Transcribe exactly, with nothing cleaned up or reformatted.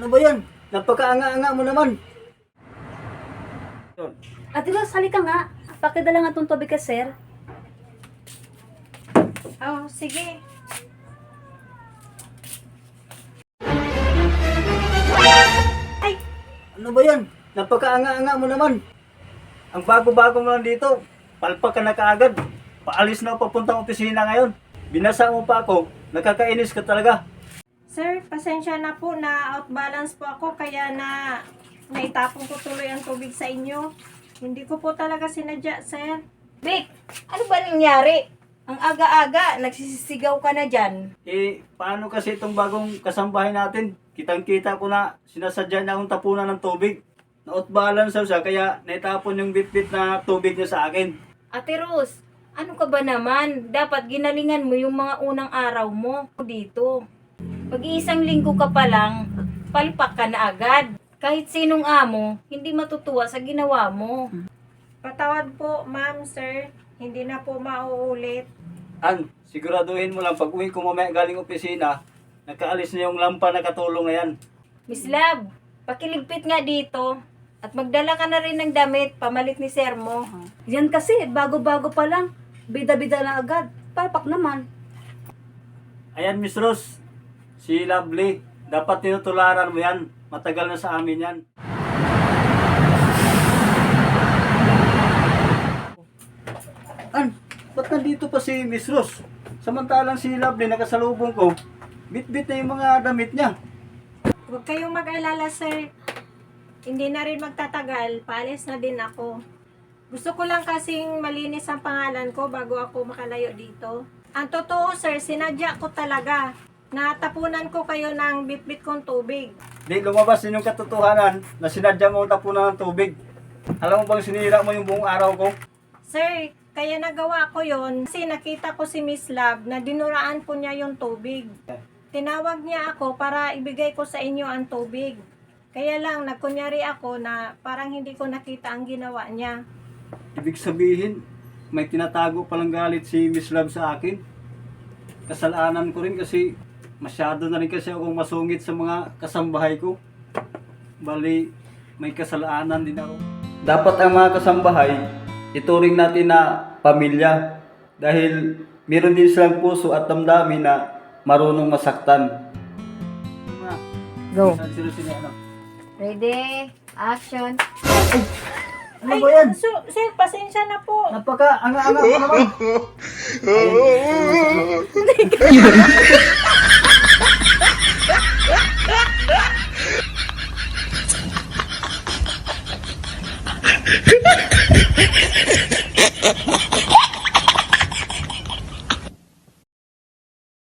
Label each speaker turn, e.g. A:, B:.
A: Ano ba yan? Napakaanga-anga mo naman.
B: Ate Ros, halika nga. Pakidala nga itong tubig ka, sir.
C: Oh, sige. Ay,
A: Ano ba yan? Napakaanga-anga mo naman. Ang bago-bago mo lang dito. Palpak ka na kaagad. Paalis na papuntang opisina ngayon. Binasa mo pa ako. Nakakainis ka talaga.
C: sir, pasensya na po na outbalance po ako kaya na naitapon ko tuloy ang tubig sa inyo. Hindi ko po talaga sinadya, sir.
D: Vic, ano ba nangyari? Ang aga-aga, nagsisisigaw ka na dyan.
A: Eh, paano kasi itong bagong kasambahay natin? Kitang-kita ko na sinasadya niya akong tapunan ng tubig. Na-outbalance siya kaya naitapon yung bit-bit na tubig niya sa akin.
D: Ate Rose, ano ka ba naman? Dapat ginalingan mo yung mga unang araw mo dito. Pag-iisang linggo ka pa lang, palpak ka na agad. Kahit sinong amo, hindi matutuwa sa ginawa mo.
C: Patawad po, ma'am, sir. Hindi na po mauulit.
A: An, siguraduhin mo lang pag uwi ko mamaya galing opisina, nakaalis na yung lampa na katulong na yan.
D: Miss Love, pakiligpit nga dito. At magdala ka na rin ng damit, pamalit ni Sir mo.
B: Yan kasi, bago-bago pa lang. Bida-bida na agad. Palpak naman.
A: Ayan, Miss Rose, si Lovely, dapat tinutularan mo yan. Matagal na sa amin yan. An, ba't nandito pa si Miss Rose? Samantalang si Lovely nakasalubong ko, bit-bit na yung mga damit niya.
C: Huwag kayong mag-alala, sir. Hindi na rin magtatagal. Paalis na din ako. Gusto ko lang kasing malinis ang pangalan ko bago ako makalayo dito. Ang totoo, sir, sinadya ko talaga. Natapunan ko kayo ng bit-bit kong tubig.
A: Di lumabas din yung katotohanan na sinadya mo ang tapunan ng tubig. Alam mo bang sinira mo yung buong araw ko?
C: Sir, kaya nagawa ko yon kasi nakita ko si Miss Love na dinuraan po niya yung tubig. Tinawag niya ako para ibigay ko sa inyo ang tubig. Kaya lang, nagkunyari ako na parang hindi ko nakita ang ginawa niya.
A: Ibig sabihin, may tinatago palang galit si Miss Love sa akin. Kasalanan ko rin kasi masyado na rin kasi akong masungit sa mga kasambahay ko. Bali, may kasalanan din ako. Dapat ang mga kasambahay, ituring natin na pamilya. Dahil meron din silang puso at damdamin na marunong masaktan.
D: Go.
A: Sino sino ano?
D: Ready? Action.
A: Ano ba yan?
C: So, sir, pasensya na po.
A: Napaka anga-anga ko naman. Ayun.